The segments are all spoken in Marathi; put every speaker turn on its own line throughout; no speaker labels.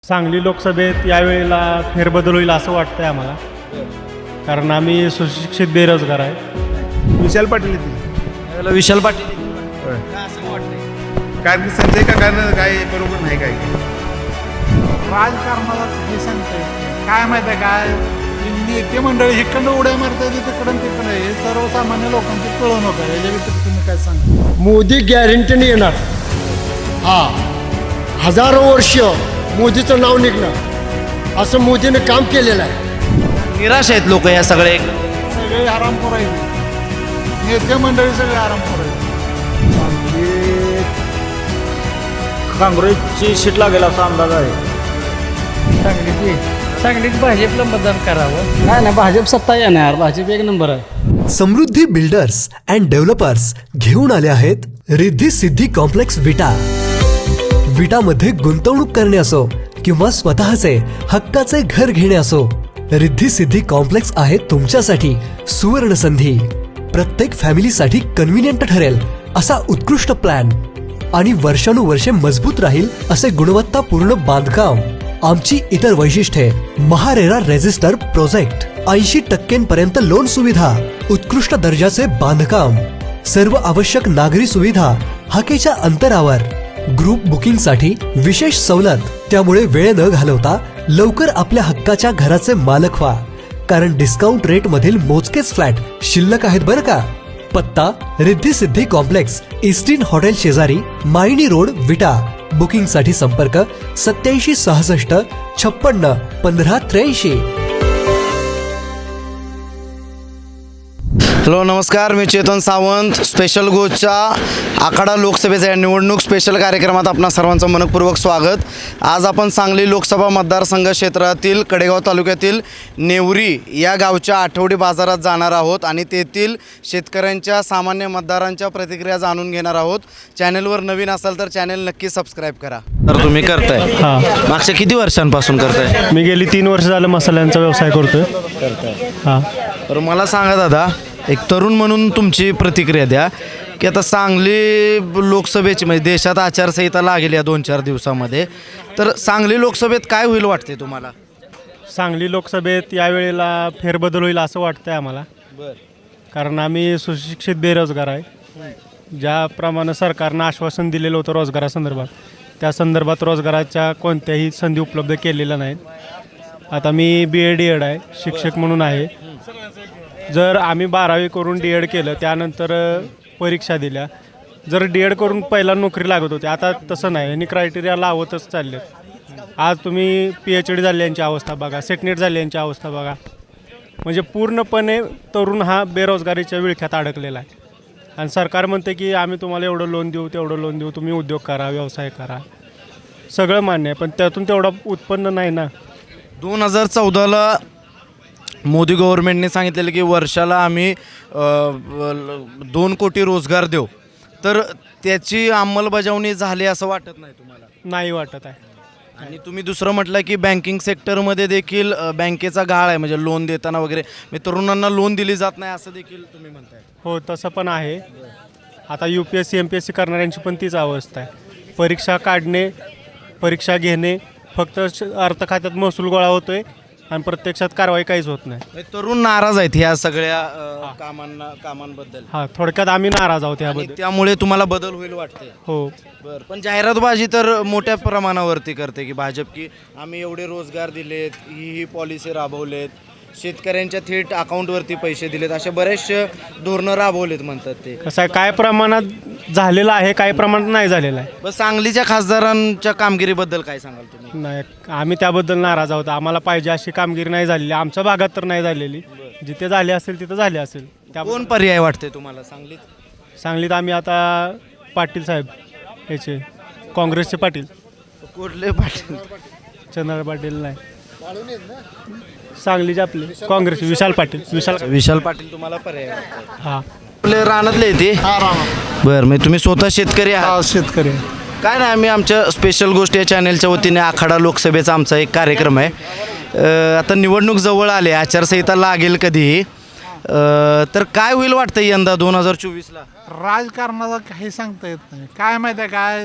सांगली लोकसभेत यावेळेला फेरबदल होईल असं वाटतंय आम्हाला, कारण आम्ही सुशिक्षित बेरोजगार आहे.
विशाल पाटील येतील.
विशाल पाटील
कारण की संजय काकांना काय बरोबर नाही काय
राजकारणाला हे सांगता येत नाही. काय माहिती आहे काय नेते मंडळी इकडनं उड्या मारता येते तिकडं तिकडं हे सर्वसामान्य लोकांची पिळवणूक आहे. याच्या व्यतिरिक्त तुम्ही काय सांगा.
मोदी गॅरंटीने येणार. हा, हजारो वर्ष मोदीचं नाव निघणार असं मोदीने काम केलेलं आहे.
निराश आहेत लोक या सगळे.
सगळे आरामखोर आहेत. नेते मंडळी सगळे आरामखोर आहेत.
काँग्रेसची सीट लागेल असा अंदाज आहे.
सांगलीत भाजपला मतदान करावं. नाही ना, भाजप सत्ता येणार. भाजप एक नंबर आहे.
समृद्धी बिल्डर्स अँड डेव्हलपर्स घेऊन आले आहेत रिद्धी सिद्धी कॉम्प्लेक्स विटामध्ये गुंतवणूक करणे असो किंवा स्वतःचे हक्काचे घर घेणे असो, रिद्धी सिद्धी कॉम्प्लेक्स आहे तुमच्यासाठी सुवर्ण संधी. प्रत्येक फॅमिलीसाठी कन्व्हिनियंट ठरेल असा उत्कृष्ट प्लॅन आणि वर्षानुवर्षे मजबूत राहील असे गुणवत्तापूर्ण बांधकाम. आमची इतर वैशिष्ट्ये: महारेरा रेजिस्टर प्रोजेक्ट, 80% लोन सुविधा, उत्कृष्ट दर्जाचे बांधकाम, सर्व आवश्यक नागरी सुविधा हाकेच्या अंतरावर, ग्रुप बुकिंग साठी विशेष सवलत. त्यामुळे वेळ न घालवता लवकर आपल्या हक्काच्या घराचे मालक व्हा, कारण डिस्काउंट रेट मधील मोजकेच फ्लॅट शिल्लक आहेत बरं का. पत्ता: Riddhi Siddhi complex, eastern hotel शेजारी, मायनी रोड, विटा. बुकिंग साठी संपर्क 8766 56 15 83.
हॅलो, नमस्कार. मी चेतन सावंत. स्पेशल गोच्या आखाडा लोकसभेच्या निवडणूक स्पेशल कार्यक्रमात आपणा सर्वांचं मनपूर्वक स्वागत. आज आपण सांगली लोकसभा मतदारसंघ क्षेत्रातील कडेगाव तालुक्यातील नेवरी या गावच्या आठवडी बाजारात जाणार आहोत आणि तेथील शेतकऱ्यांच्या, सामान्य मतदारांच्या प्रतिक्रिया जाणून घेणार आहोत. चॅनलवर नवीन असाल तर चॅनल नक्की सबस्क्राईब करा. तर तुम्ही करताय?
हां,
मागच्या किती वर्षांपासून करताय?
मी गेली 3 वर्ष झालं मसाल्यांचा व्यवसाय करतोय. हां,
तर मला सांगा दादा, एक तरुण म्हणून तुमची प्रतिक्रिया द्या की आता सांगली लोकसभेची, म्हणजे देशात आचारसंहिता लागेल या 2-4 दिवसामध्ये, तर सांगली लोकसभेत काय होईल वाटते तुम्हाला?
सांगली लोकसभेत यावेळेला फेरबदल होईल असं वाटतंय आम्हाला, कारण आम्ही सुशिक्षित बेरोजगार आहे. ज्याप्रमाणे सरकारनं आश्वासन दिलेलं होतं रोजगारासंदर्भात, त्या संदर्भात रोजगाराच्या कोणत्याही संधी उपलब्ध केलेल्या नाहीत. आता मी BA-DED आहे, शिक्षक म्हणून आहे. जर आम्ही 12वी करून DED केलं, त्यानंतर परीक्षा दिल्या, जर DED करून पहिला नोकरी लागत होती. आता तसं नाही, यांनी क्रायटेरिया लावतच चालले. आज तुम्ही PhD झाल्यांची अवस्था बघा, सेटनेट झाल्यांची अवस्था बघा. म्हणजे पूर्णपणे तरुण हा बेरोजगारीच्या विळख्यात अडकलेला आहे. आणि सरकार म्हणते की आम्ही तुम्हाला एवढं लोन देऊ, तेवढं लोन देऊ, तुम्ही उद्योग करा, व्यवसाय करा. सगळं मान्य आहे, पण त्यातून तेवढं उत्पन्न नाही ना.
2014ला मोदी गव्हर्नमेंटने सांगितलेलं की वर्षाला आम्ही 2 कोटी रोजगार देऊ, तर त्याची अंमलबजावणी झाली असं वाटत नाही तुम्हाला?
नाही वाटत आहे.
आणि तुम्ही दुसरं म्हटलं की बँकिंग सेक्टरमध्ये देखील बँकेचा गाळ आहे, म्हणजे लोन देताना वगैरे तरुणांना लोन दिली जात नाही असं देखील तुम्ही म्हणताय.
हो, तसं पण आहे. आता UPSC MPSC करणाऱ्यांची पण तीच अवस्था आहे. परीक्षा काढणे, परीक्षा घेणे, फक्त अर्थ खात्यात महसूल गोळा होतोय आणि प्रत्यक्षात कारवाई काहीच होत नाही.
तरुण नाराज आहेत ह्या सगळ्या कामांबद्दल.
हां, थोडक्यात आम्ही नाराज आहोत याबद्दल.
त्यामुळे तुम्हाला बदल होईल वाटते?
हो.
बरं, पण जाहिरातबाजी तर मोठ्या प्रमाणावरती करते की भाजप, की आम्ही एवढे रोजगार दिलेत, ही पॉलिसी राबवलेत, शेतकऱ्यांच्या थेट अकाउंटवरती पैसे दिलेत, अशा बरेचसे धोरणं राबवलेत म्हणतात ते.
कसं आहे, काय प्रमाणात झालेलं आहे, काही प्रमाणात नाही झालेलं आहे.
बस सांगलीच्या खासदारांच्या कामगिरीबद्दल काय सांगाल तुम्ही?
नाही, आम्ही त्याबद्दल नाराज आहोत. आम्हाला पाहिजे अशी कामगिरी नाही झालेली, आमच्या भागात तर नाही झालेली. जिथे झाली असेल तिथं झाली असेल.
कोण पर्याय वाटते तुम्हाला सांगलीत?
सांगलीत आम्ही आता पाटील साहेब याचे, काँग्रेसचे पाटील.
कुठले पाटील?
चंद्र पाटील नाही, सांगलीचे आपले काँग्रेस विशाल पाटील.
विशाल पाटील तुम्हाला पर्याय वाटते?
हां,
आपले रानातले येते. बरं, म्हणजे तुम्ही स्वतः शेतकरी आहात?
शेतकरी
काय नाही, आम्ही आमच्या स्पेशल गोष्ट या चॅनलच्या वतीने आखाडा लोकसभेचा आमचा एक कार्यक्रम आहे. आता निवडणूक जवळ आले, आचारसंहिता लागेल कधीही, तर काय होईल वाटतं यंदा 2024ला?
राजकारणाला काही सांगता येत नाही. काय माहिती आहे काय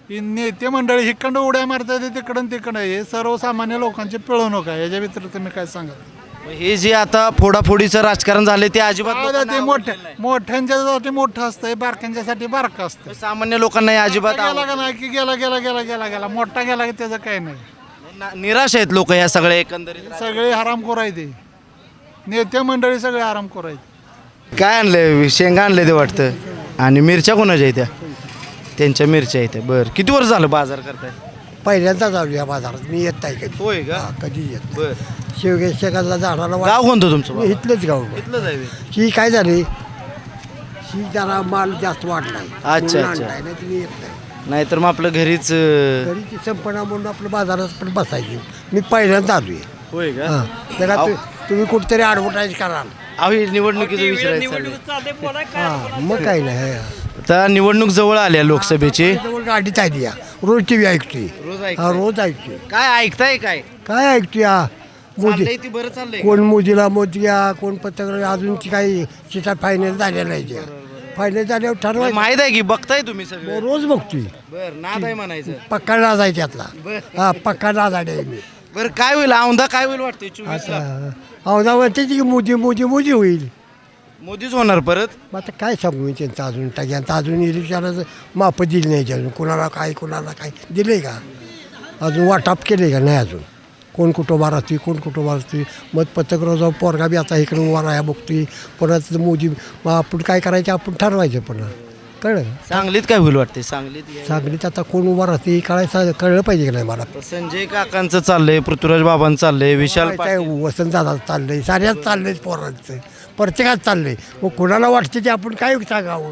ही नेते मंडळी हिकडं उड्या मारतात तिकडं तिकडं हे सर्वसामान्य लोकांची पिळवणूक आहे. याच्या व्यतिरिक्त मी काय सांगत
हे जे आता फोडाफोडीचं राजकारण झाले ते अजिबात लोकांना
ते
आवडलेलं नाही.
मोठ्यांच्यासाठी मोठं असतंय, बारक्यांच्यासाठी बारकं असतं.
सामान्य लोकांना हे अजिबात
गेला का नाही की गेला मोठा गेला की त्याचं काही नाही.
निराश आहेत लोक या सगळ्या एकंदरीत.
सगळे हरामखोर आहे ते नेते मंडळी सगळे आरामखोर आहेत.
काय आणलंय? शेंगा आणले ते वाटतं. आणि मिरच्या कोणाच्या आहेत त्या? त्यांच्या मिरच्या आहेत. बरं, किती वर्ष झालं बाजार करताय?
पहिल्यांदाच आलो या बाजारात. मी येत नाही कधी.
होय का?
कधी येत नाही.
बरं,
शेवगे शेगाला जाणारा
गाव कोणतं तुमचं बाबा?
इथलंच गाव.
इथलंच आहे व्हय?
ही काय झाली, ही जरा माल जास्त वाढलाय.
अच्छा.
म्हणून आणलाय, नाही तुम्ही येत नाही.
नाहीतर मग आपलं घरीच
घरी ती संपणा म्हणून आपलं बाजारात पण बसायची. मी पहिल्यांदा आलोय.
होय का?
हां, जरा तुम्ही कुठेतरी ॲडव्हर्टाईज कराल.
अहो, हे निवडणुकीचं विचारायचं.
हां, मग काही नाही.
आता निवडणूक जवळ आल्या लोकसभेची.
जवळ गाडीत आहे या रोज टी व्ही ऐकतोय.
रोज ऐकताय?
हा, रोज ऐकतोय.
काय ऐकताय? काय
काय ऐकतोय हा मोदी?
चाललंय ती बरं चाललंय.
कोण मोदीला मोदीया, कोण पत्रकार, अजूनची काही सीटा फायनल झालेल्या नाही त्या. फायनल झाल्यावर ठरवायचं.
माहित आहे की बघताय तुम्ही सगळं.
रोज बघतोय.
बरं, नाद आहे म्हणायचं.
पक्का नाद आहे त्यातला. हा, पक्का नाद आहे मी.
बरं, काय होईल औंधा? काय होईल वाटतंय 24 ला?
आता म्हणते की मोदी मोदी मोदी होईल.
मोदीच होणार परत.
मग आता काय सांगू मी त्यांचं अजून टाक्यांचं अजून इलेक्शनाचं माप दिली नाही अजून. कुणाला काय दिले का अजून? वाटाप केले का नाही अजून? कोण कुठं उभा राहतोय, कोण कुठं उभा राहतोय. मग पत्रकार जाऊन पोरगा बी आता इकडे उभा राहा बघतोय. परत मोदी मग आपण काय करायचं आपण ठरवायचं. पुन्हा कळलं का?
सांगलीत काय होईल वाटते? सांगलीत
सांगलीत आता कोण उभा राहते कळायचं, कळलं पाहिजे की नाही मला.
संजय काकांचं चाललंय, पृथ्वीराज बाबांचं चाललंय, विशाल पाटील.
वसंतदादा चाललंय, साऱ्याच चाललंय पोरांचं, प्रत्येकात चाललंय. मग कोणाला वाटते ते आपण काय सांगावं?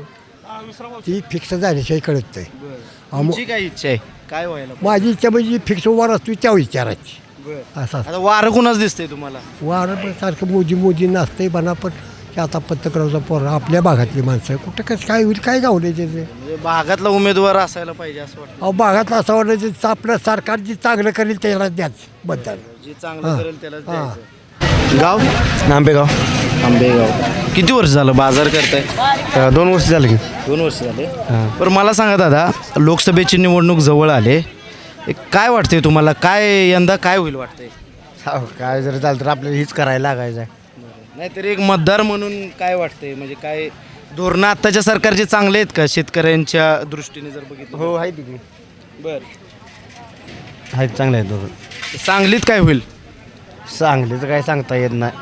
ती फिक्स झाल्याशिवाय कळत नाही.
तुमची काय इच्छा आहे? काय व्हायला?
माझी इच्छा म्हणजे फिक्स उभा असतो त्या विचाराची. असं
आता वारं कुणाच दिसतंय तुम्हाला?
वारं सारखं मोदी नसतंय बना. पण हे आता पत्रकाराचा पोरा आपल्या भागातली माणसं कुठं कसं काय होईल, काय गावले त्याचे.
म्हणजे भागातला उमेदवार असायला पाहिजे असं वाटतं.
अहो, भागातलं असं वाटायचं आपलं सरकार जी चांगलं करेल त्याला द्याच बद्दल.
जे चांगलं करेल त्याला
हां.
द्यायचं. गाव?
आंबेगाव.
आंबेगाव. किती वर्ष झालं बाजार करताय?
2 वर्ष झालं की.
2 वर्ष झाले. बरं, मला सांगा दादा, लोकसभेची निवडणूक जवळ आले, काय वाटतंय तुम्हाला? काय यंदा काय होईल वाटतंय?
काय जर झालं तर आपल्याला हीच करायला लागायचं आहे.
नाहीतर एक मतदार म्हणून काय वाटतंय? म्हणजे काय धोरणं आत्ताच्या सरकारचे चांगले आहेत का शेतकऱ्यांच्या दृष्टीने जर बघितलं?
हो, आहे तिकडे.
बर,
आहेत चांगले आहेत दोघं.
सांगलीत काय होईल
सांगलीचं काय सांगता येत नाही.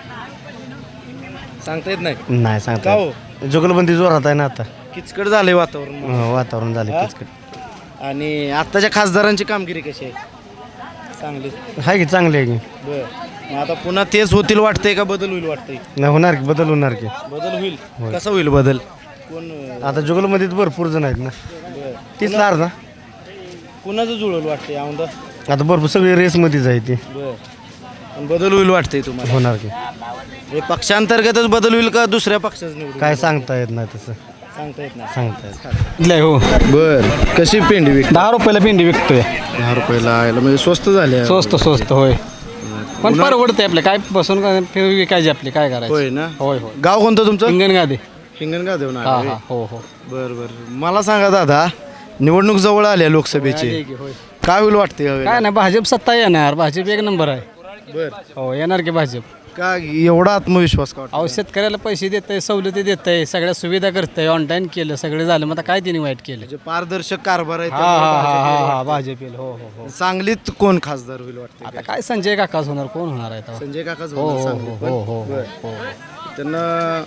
सांगता येत नाही.
नाही
का
सांगता
हो?
येत. जुगलबंदी जोरात आहे ना आता.
किचकट झालंय वातावरण.
वातावरण झालं
हा?
किचकट.
आणि आत्ताच्या खासदारांची कामगिरी कशी आहे सांगलीत?
आहे की चांगले आहे की.
बर, मग आता पुन्हा तेच होतील वाटतंय का बदल होईल वाटतंय?
नाही होणार की, बदल होणार की.
बदल होईल. कसा होईल बदल? कोण
आता जुगलमध्ये भरपूर जण आहेत ना.
बर,
तीच लार ना.
कुणाचं जुळवलं वाटतंय औंधा?
आता भरपूर सगळी रेसमध्येच आहे ती.
बर, पण बदल होईल वाटतंय तुम्हाला?
होणार की.
हे पक्षांतर्गतच बदल होईल का दुसऱ्या पक्षाचं निवडून?
काय सांगता येत नाही तसं.
सांगता येत नाही.
सांगता येत.
हो
बर, कशी पेंडी विक?
10 रुपयाला भेंडी विकतोय.
10 रुपयाला आयला म्हणजे स्वस्त झाले.
स्वस्त होय. पण परवडते आपले काय बसून विकायचे आपले काय करायचं.
होय ना.
होय.
गाव कोणतं तुमचं?
हिंगणगादी.
हिंगणगाव देऊन
हा
आले.
हा हो.
बर बर, मला सांगा दादा, निवडणूक जवळ आल्या लोकसभेची, काय होईल वाटते यावेळेला?
काय नाही भाजप सत्ता येणार. भाजप एक नंबर आहे.
बर,
हो येणार की भाजप.
का एवढा आत्मविश्वास का वाटतो?
अहो शेतकऱ्याला पैसे देत आहे, सवलती देत आहे, सगळ्या सुविधा करतंय, ऑनलाईन केलं, सगळं झालं. मग आता काय तिने वाईट केलं?
म्हणजे पारदर्शक कारभार आहे
हा
त्यामुळे
हा
भाजप
हा
येईल
हा
वाटतं.
भाजप येईल. हो.
सांगलीत कोण खासदार होईल वाटतं?
आता काय संजय काकाच होणार, कोण होणार आहे तेव्हा?
संजय काकाच
हो
होणार
हो
सांगलीत पण?
हो हो
बर.
हो.
त्यांना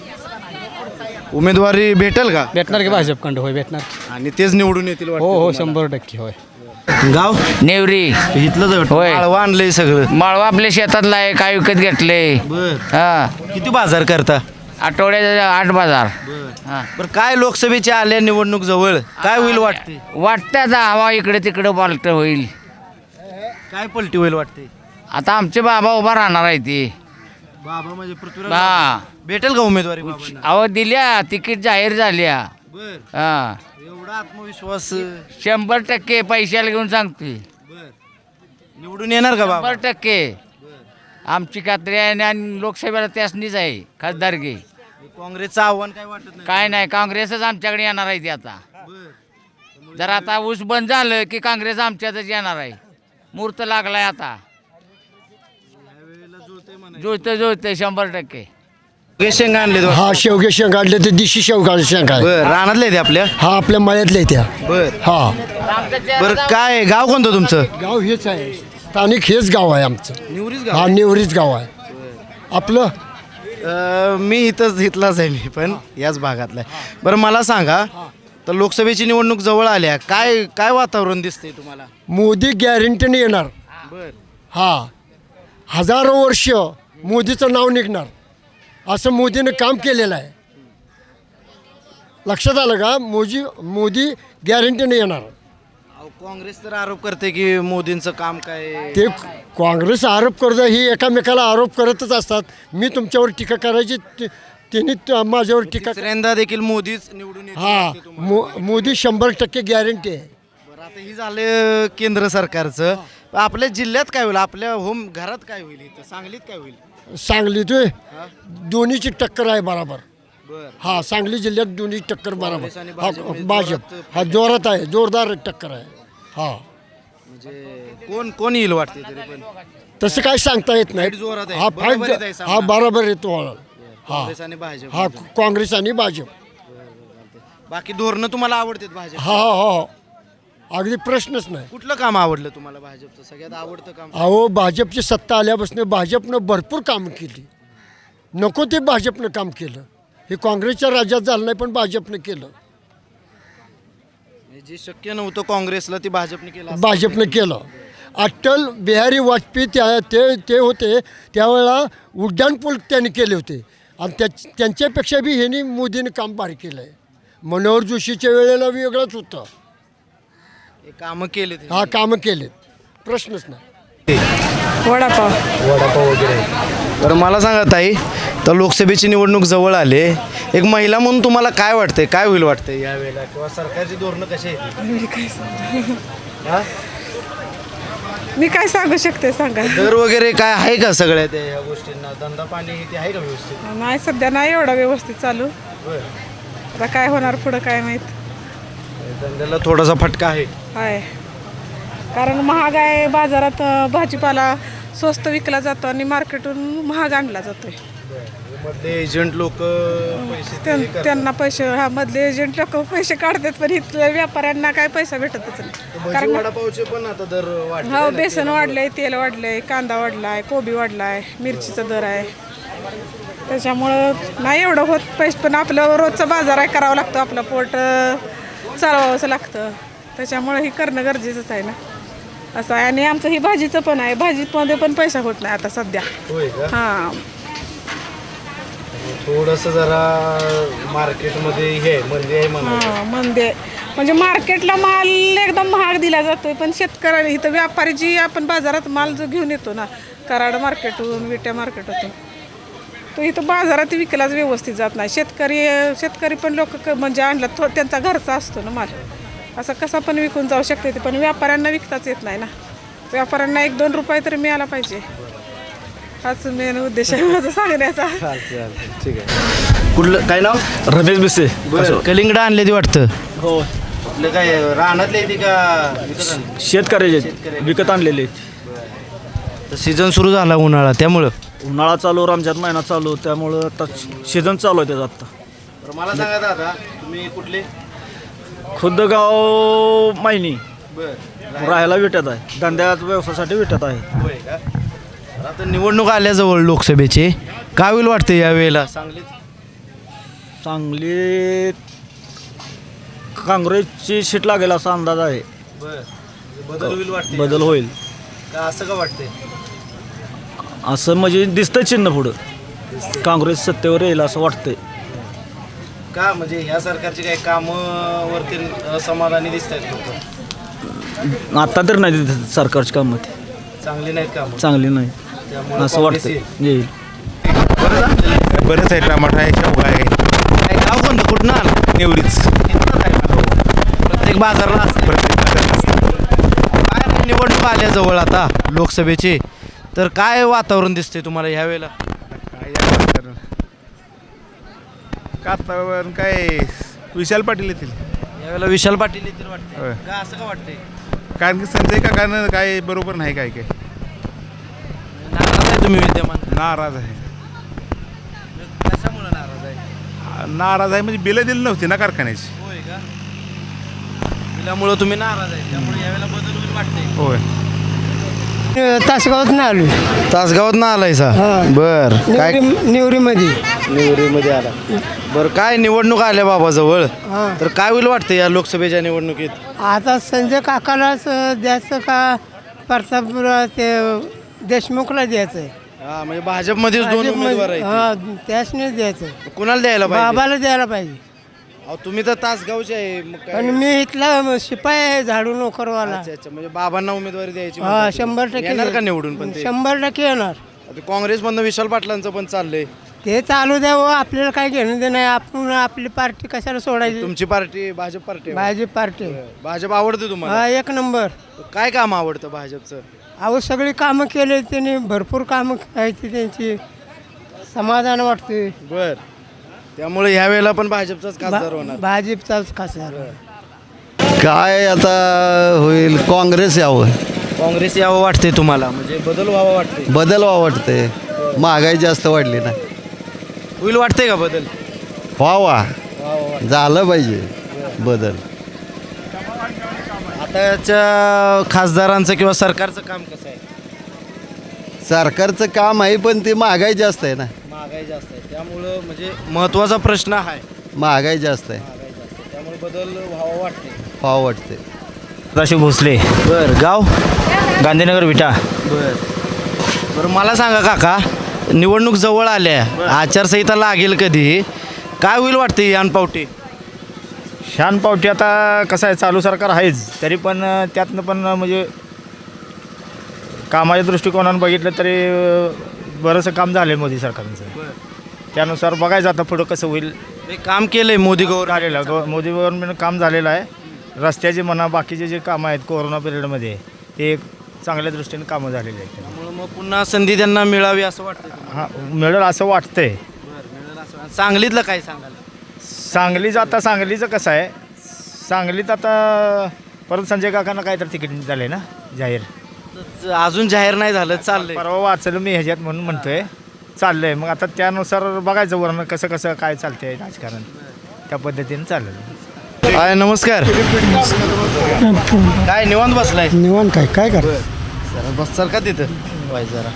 उमेदवारी भेटेल का?
भेटणार की भाजपकडं? होय भेटणार.
आणि तेच निवडून येतील वाटतं
हो
तुम्हाला?
100% होय.
गाव
नेवरी
इथलंच आहे वाटतं.
होय.
माळवा आणलंय सगळं.
माळवा आपल्या शेतातला आहे, काय विकत घेतले.
बर,
हा
किती बाजार करता?
आठवड्याचा 8 बाजार. हा.
बरं, काय लोकसभेची आल्या निवडणूक जवळ, काय होईल वाटते?
वाटतं आता हवा इकडे तिकडे पालट होईल.
काय पलटी होईल वाटते?
आता आमचे बाबा उभा राहणार आहे ते.
बाबा म्हणजे पृथ्वीराज
हा
भेटेल का उमेदवारी बाबांना?
अहो दिल्या, तिकीट जाहीर झाल्या.
बर,
हा
एवढा आत्मविश्वास.
100% पैशाला घेऊन सांगतोय.
बर, निवडून येणार का बाबा?
100% आमची खात्री आहे. आणि लोकसभेला त्यासनीच आहे खासदारकी.
काँग्रेसचं आव्हान काय वाटत नाही?
काय नाही, काँग्रेसच आमच्याकडे येणार आहे ते आता.
बर, त्यामुळे
जर आता ऊस बंद झालं की काँग्रेस आमच्यातच येणार आहे. मुहूर्त लागलाय आता. जुळते 100%.
शेंगा आणले
हा शेवगे शेंग काढले ते दिशी शेवगा शेंग आहे.
बर रानातले ते आपल्या.
हा आपल्या मळ्यातल्या त्या.
बर
हा
बर काय गाव कोणतं तुमचं?
गाव हेच आहे, स्थानिक हेच गाव आहे आमचं.
निवरीच
हा निवरीच गाव आहे आपलं.
मी इथलाच आहे मी पण याच भागातला आहे. बरं मला सांगा तर लोकसभेची निवडणूक जवळ आल्या काय वातावरण दिसतंय तुम्हाला?
मोदी गॅरंटीने येणार.
बर
हा हजारो वर्ष मोदीचं नाव निघणार असं मोदीनं काम केलेलं आहे. लक्षात आलं का? मोदी गॅरंटीने येणार.
काँग्रेस तर आरोप करते की मोदींचं काम काय.
ते काँग्रेस आरोप करतं, ही एकामेकाला आरोप करतच असतात. मी तुमच्यावर टीका करायची, त्यांनी माझ्यावर टीका.
तिसऱ्यांदा देखील मोदीच निवडून येतील
हा
वाटते तुम्हाला?
मोदी 100% गॅरंटी आहे.
बरं आता ही झालं केंद्र सरकारचं. आपल्या जिल्ह्यात काय होईल? आपल्या होम घरात काय होईल? इथं सांगलीत काय होईल?
सांगलीत दोन्हीची टक्कर आहे बरोबर.
बर
हा सांगली जिल्ह्यात दोन्ही टक्कर बरोबर.
काँग्रेस आणि
हा
भाजप
भाजप
जोरात
हा जोरात आहे, जोरदार टक्कर आहे. हा
म्हणजे कोण येईल वाटते तरी पण?
तसं काही सांगता येत नाही.
फाईट जोरात आहे.
हा
बरोबर येत आहे
फाईट
सामना.
हा बरोबर येतो. हा
काँग्रेस आणि भाजप.
हा काँग्रेस आणि भाजप.
बाकी धोरणं तुम्हाला आवडतात भाजप?
हा हा हा अगदी प्रश्नच नाही.
कुठलं काम आवडलं तुम्हाला भाजपचं सगळ्यात आवडतं काम?
अहो भाजपची सत्ता आल्यापासून भाजपनं भरपूर कामं केली. नको ते भाजपनं काम केलं. हे काँग्रेसच्या राज्यात झालं नाही पण भाजपनं केलं.
जे शक्य नव्हतं काँग्रेसला ते भाजपने केलं असं.
भाजपनं केलं. अटल बिहारी वाजपेयी ते होते त्यावेळेला उड्डाणपूल त्यांनी केले होते आणि त्यांच्यापेक्षा बी ह्यांनी मोदीने काम भारी केलं आहे. मनोहर जोशीच्या वेळेला वेगळंच होतं.
हे कामं केले ते.
हा कामं केलेत, प्रश्नच नाही.
वडापाव.
तर मला सांगा ताई, तर लोकसभेची निवडणूक जवळ आले, एक महिला म्हणून तुम्हाला काय वाटतंय? काय होईल वाटतंय यावेळेला? किंवा सरकारची धोरणं कशी आहेत?
मी काय सांगू शकते सांगा.
दर वगैरे काय आहे का सगळ्या त्या या गोष्टींना? धंदा पाणी ते आहे का व्यवस्थित?
नाही सध्या नाही एवढा व्यवस्थित चालू. आता काय होणार पुढं काय माहीत.
धंद्याला थोडासा फटका आहे.
आहे कारण महाग आहे. बाजारात भाजीपाला स्वस्त विकला जातो आणि मार्केटून महाग आणला जातोय.
मधले एजंट लोक पैसे ते करतात.
त्यांना पैसे हा मधले एजंट लोक पैसे काढतात पण इथल्या व्यापाऱ्यांना काय पैसा भेटतच नाही.
भजी वडापावचे पण आता दर वाढले
हो
ना.
बेसन वाढलंय, तेल वाढलंय, कांदा वाढलाय, कोबी वाढलाय, मिरचीचा दर आहे. त्याच्यामुळं नाही एवढं होत पैसे पण आपलं रोजचा बाजार आहे करावं लागतं. आपलं पोट चालवावंच लागतं. त्याच्यामुळं ही करणं गरजेचंच आहे ना असं आहे. आणि आमचं ही भाजीचं पण आहे. भाजीमध्ये पण पैसा होत नाही आता सध्या.
होय का?
हां
थोडंसं जरा मार्केटमध्ये हे म्हणजे आहे म्हणा.
हां म्हणजे मार्केटला माल एकदम महाग दिला जातोय पण शेतकऱ्याला इथं व्यापारी जी आपण बाजारात माल जो घेऊन येतो ना कराड मार्केटहून विट्या मार्केटहून तो इथं बाजारात विकलाच व्यवस्थित जात नाही. शेतकरी पण लोक म्हणजे आणला त्यांचा घरचा असतो ना माल. असं कसा पण विकून जाऊ शकते ते पण व्यापाऱ्यांना विकताच येत नाही ना. व्यापाऱ्यांना 1-2 रुपये तरी मिळाला पाहिजे. हाच मेन उद्देश आहे माझा सांगण्याचा.
ठीक आहे. कुठलं काय नाव?
रमेश बिसे.
कलिंगड आणले ते वाटतं.
हो
आपलं काय रानातले येते का विकत आणले?
शेतकऱ्याचे विकत आणलेले.
तर सीझन सुरू झाला उन्हाळा त्यामुळं.
उन्हाळा चालू, रमजान महिना चालू, त्यामुळं आता सीझन चालू आहे त्याचा आत्ता.
तर मला सांगा दादा, तुम्ही कुठले?
खुद्द गाव मायनी,
बरं
राहायला विट्यात आहे, धंद्यात व्यवसायासाठी विट्यात आहे.
होय का? तर आता निवडणूक आल्याजवळ लोकसभेचे काय होईल वाटते यावेळेला सांगलीत?
सांगलीत काँग्रेसची सीट लागेल असा अंदाज आहे.
बदल होईल वाटते?
बदल होईल
का असं का वाटतंय?
असं म्हणजे दिसतंय चिन्ह पुढं काँग्रेस सत्तेवर येईल असं वाटतंय.
का म्हणजे ह्या सरकारची काही कामं वरती समाधानी दिसत आहेत लोक?
आता तर नाही दिसत सरकारची कामं ती
चांगली नाहीत कामं,
चांगली नाही
त्यामुळे
असं
काँग्रेस
वाटतंय येईल.
बरंच आहे. टमाटा आहे, शेवगा आहे.
काय गाव कोणतं? कुठनं आलं?
निवडीच
इथलंच आहे का? प्रत्येक बाजारला असतं. काय निवडणूक आल्याजवळ आता लोकसभेचे तर काय वातावरण दिसतंय तुम्हाला ह्या वेळेला?
काय वातावरण काय विशाल पाटील येतील.
यावेळेला विशाल पाटील येतील वाटते
होय.
का असं का वाटतंय?
कारण की संजय काकानं काय बरोबर नाही काय काय
नाराज आहे तुम्ही विद्यमान
नाराज आहे.
कशामुळे नाराज आहे?
नाराज आहे म्हणजे बिलं दिली नव्हती ना कारखान्याची.
होय का? त्यामुळं तुम्ही नाराज आहे, त्यामुळे यावेळेला बदल होईल वाटतंय.
होय.
तासगावात नाही आलो
तासगावात ना आलायसा
हा.
बर काय
निवरीमध्ये
निवडीमध्ये आला बरं काय निवडणूक आल्या बाबा जवळ
हां.
तर काय होईल वाटतं या लोकसभेच्या निवडणुकीत?
आता संजय काकालाच द्यायचं का प्रतापराव ते देशमुखला द्यायचं आहे
हा म्हणजे भाजपमध्येच दोन उमेदवार आहेत.
हां त्यासनीच द्यायचं
कुणाला द्यायला पाहिजे?
बाबाला द्यायला पाहिजे.
अहो, तुम्ही तर तासगावचे आहे मग काय?
पण मी इथला शिपाई आहे झाडू नोकरवाला.
अच्छा अच्छा म्हणजे बाबांना उमेदवारी द्यायची
हा
म्हणतात.
100%
येणार का निवडून पण ते?
100% येणार.
आता काँग्रेसमधनं विशाल पाटलांचं पण चाललंय.
ते चालू द्यावं आपल्याला काय घेणं देणं आहे. आपण आपली पार्टी कशाला सोडायची.
तुमची पार्टी भाजप पार्टी आहे.
भाजप पार्टी
भाजप आवडते तुम्हाला?
हा 1 नंबर.
काय काम आवडतं भाजपचं?
अहो सगळी कामं केले त्यांनी भरपूर कामं करायची त्यांची समाधान वाटते.
बर त्यामुळे ह्या वेळेला पण भाजपचाच खासदार होणार.
भाजपचाच खासदार.
काय आता होईल काँग्रेस यावं
काँग्रेस यावं वाटते तुम्हाला म्हणजे बदल व्हावा वाटते?
बदल वाटते महागाई जास्त वाढली ना
होईल वाटते का बदल?
व्हावा झालं पाहिजे बदल.
आताच्या खासदारांचं किंवा सरकारचं काम कसं आहे?
सरकारचं काम आहे पण ते महागाई जास्त आहे ना
महागाई जास्त आहे त्यामुळं म्हणजे महत्त्वाचा प्रश्न आहे.
महागाई जास्त आहे
महागाई जास्त आहे त्यामुळे बदल व्हावा वाटते.
व्हावं वाटते.
सदाशिव भोसले
बर गाव
गांधीनगर विटा.
बरं मला सांगा काका निवडणूक जवळ आल्या आचारसंहिता लागेल कधी काय होईल वाटते अनपावटी?
शान पावटी आता कसं आहे चालू सरकार आहेच तरी पण त्यातनं पण म्हणजे कामाच्या दृष्टिकोनानं बघितलं तरी बरंचसं काम झालं आहे मोदी सरकारचं. त्यानुसार बघायचं आता पुढं कसं होईल.
काम केलंय मोदी गव्हर्नमेंट
झालेलं मोदी गव्हर्नमेंट काम झालेलं आहे. रस्त्याचे म्हणा बाकीचे जे कामं आहेत कोरोना पिरियडमध्ये ते एक चांगल्या दृष्टीने कामं झालेली आहेत.
त्यामुळे मग पुन्हा संधी त्यांना मिळावी असं वाटतं तुम्हाला?
हां मिळेल असं वाटतंय.
मिळेल असं. सांगलीतलं काय सांगाल?
सांगलीचं कसं आहे सांगलीत आता परत संजय काकांना काय तर तिकीट झालं आहे ना जाहीर.
अजून जाहीर नाही झालं चाललंय.
परवा वाचलं मी ह्याच्यात म्हणून म्हणतोय चाललंय मग आता त्यानुसार बघायचं वरण कसं कसं काय चालतंय राजकारण त्या पद्धतीने चाललं.
हाय नमस्कार. काय निवांत बसलाय?
निवांत काय काय कर
जरा बस सर का तिथं वाय जरा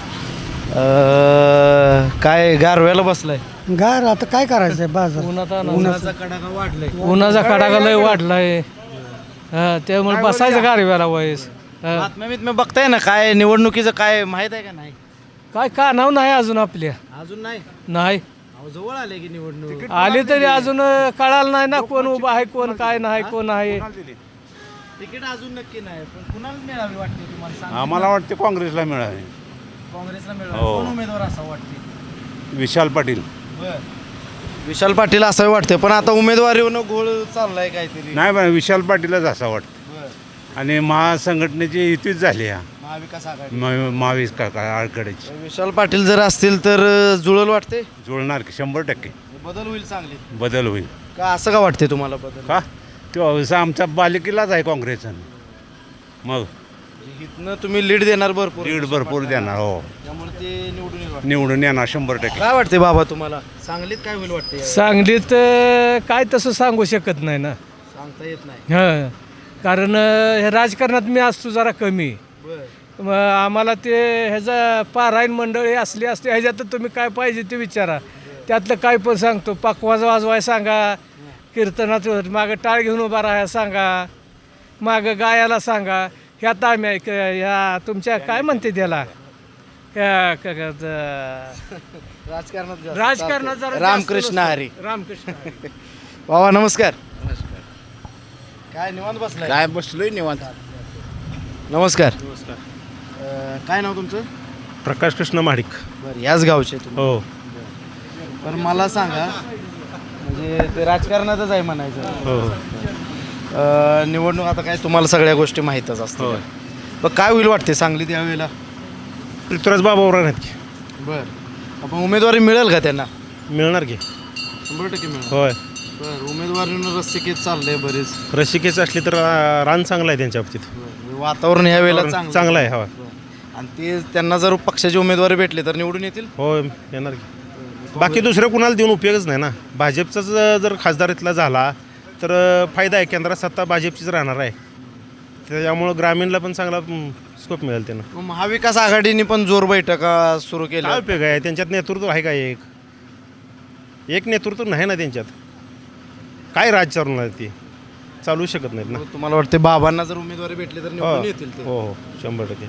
काय गारव्याला बसलाय?
गार आता काय करायचं बाजार
उन्हाचा कडाका वाढलाय.
उन्हाचा कडाका लय वाढलाय त्यामुळे बसायचं गारव्याला वयस.
बातम्या बितम्या बघताय ना काय निवडणुकीचं काय माहित आहे का नाही?
काय का नाव नाही अजून आपल्या
अजून नाही.
नाही
अहो, जवळ आले की निवडणूक
आली तरी अजून कळालं नाही ना कोण उभं आहे कोण काय नाही कोण आहे.
तिकीट अजून नक्की नाही पण कुणाला मिळावी वाटते तुम्हाला सांगा?
आम्हाला वाटते काँग्रेसला मिळावे.
काँग्रेसला मिळावी.
हो.
कोण उमेदवार असा वाटते?
विशाल पाटील.
विशाल पाटील असं वाटते पण आता उमेदवारीवरनं घोळ चाललाय काहीतरी.
नाही पण विशाल पाटीलच असं वाटतं. आणि महासंघटनेची युतीच झाली ह्या
महाविकास आघाडी.
महावीस काका आळकडेची.
विशाल पाटील जर असतील तर जुळल वाटते.
जुळणार की 100%
बदल होईल चांगले.
बदल होईल.
का असं का वाटते तुम्हाला बदल?
का तो आमच्या बालिकेलाच आहे काँग्रेसनं मग
इथनं तुम्ही लीड देणार भरपूर.
लीड भरपूर देणार. हो
त्यामुळे ते निवडून येईल वाटतं.
निवडून येणार 100%.
काय वाटते बाबा तुम्हाला सांगलीत काय होईल वाटते?
सांगलीत काय तसं सांगू शकत नाही ना.
सांगता येत नाही.
हां कारण हे राजकारणात मी असतो जरा कमी. मग आम्हाला ते ह्याचं पारायण मंडळी असली असते ह्याच्यात तुम्ही काय पाहिजे ते विचारा त्यातलं काय पण सांगतो. पकवाज वाजवाय सांगा कीर्तनात मागं टाळ घेऊन उभा राहायला सांगा मागं गायाला सांगा ह्यात आम्ही ह्या तुमच्या काय म्हणते त्याला राजकारणात जरा
रामकृष्ण हरी.
रामकृष्ण
बाबा नमस्कार. काय निवांत बसलाय?
काय बसलोय निवांत.
नमस्कार. काय नाव तुमचं?
प्रकाश कृष्ण महाडिक.
बरं याच गावचे तुम्ही?
हो
पण मला सांगा म्हणजे ते राजकारणातच आहे म्हणायचं.
हो
निवडणूक आता काय तुम्हाला सगळ्या गोष्टी माहीतच असतात. पण काय होईल वाटते सांगलीत यावेळेला?
पृथ्वीराज बाबावर आहेत की.
बरं आपण उमेदवारी मिळेल का त्यांना?
मिळणार की.
100% मिळेल.
होय
उमेदवारीनं रस्तिकेत चाललंय बरेच.
रसिकेच असली तर रान चांगलं आहे त्यांच्या बाबतीत.
वातावरण ह्या वेळेला
चांगलं आहे हवा.
आणि ते त्यांना जर पक्षाचे उमेदवारी भेटले तर निवडून येतील.
हो येणार की. बाकी दुसऱ्या कुणाला देऊन उपयोगच नाही ना. भाजपचाच जर खासदार इथला झाला तर फायदा आहे. केंद्रात सत्ता भाजपचीच राहणार आहे. त्याच्यामुळं ग्रामीणला पण चांगला स्कोप मिळेल त्यांना.
मग महाविकास आघाडीने पण जोर बैठका सुरू
काय
केल्या.
उपयोग आहे त्यांच्यात नेतृत्व आहे का? एक नेतृत्व नाही ना त्यांच्यात. काय राज चालवणार ते चालू शकत नाहीत ना.
तुम्हाला वाटते बाबांना जर उमेदवारी भेटली तर
हो
निवडून येतील ते.
हो 100%.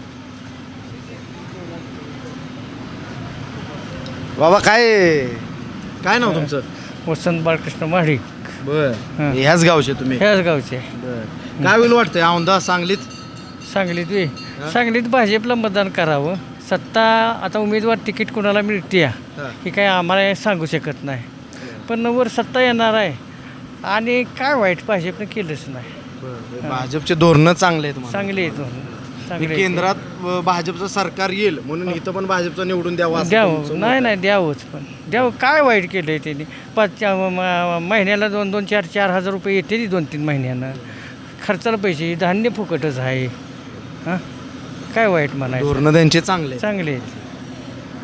बाबा काय नाव तुमचं?
वसंत बाळकृष्ण महाडिक.
बर ह्याच गावचे तुम्ही?
ह्याच गावचे.
काय होईल वाटतंय औंधा सांगलीत?
सांगलीत भाजपला मतदान करावं. सत्ता आता उमेदवार तिकीट कोणाला मिळते हे काय आम्हाला सांगू शकत नाही. पण वर सत्ता येणार आहे आणि काय वाईट भाजपनं केलंच नाही.
भाजपचे धोरणं चांगले आहेत म्हणा.
चांगले आहेत चांगले.
केंद्रात भाजपचं सरकार येईल म्हणून इथं पण भाजपचं निवडून द्यावं असं
द्यावं.
तुमचं मत
नाही
आहे.
द्यावंच. पण द्यावं. काय वाईट केलं आहे त्यांनी. 5 महिन्याला 2-2, 4-4 हजार रुपये येते 2-3 महिन्यानं. खर्चाला पैसे धान्य फुकटच आहे. हां काय वाईट म्हणायचं.
धोरणं त्यांचे चांगले आहेत.
चांगले आहेत.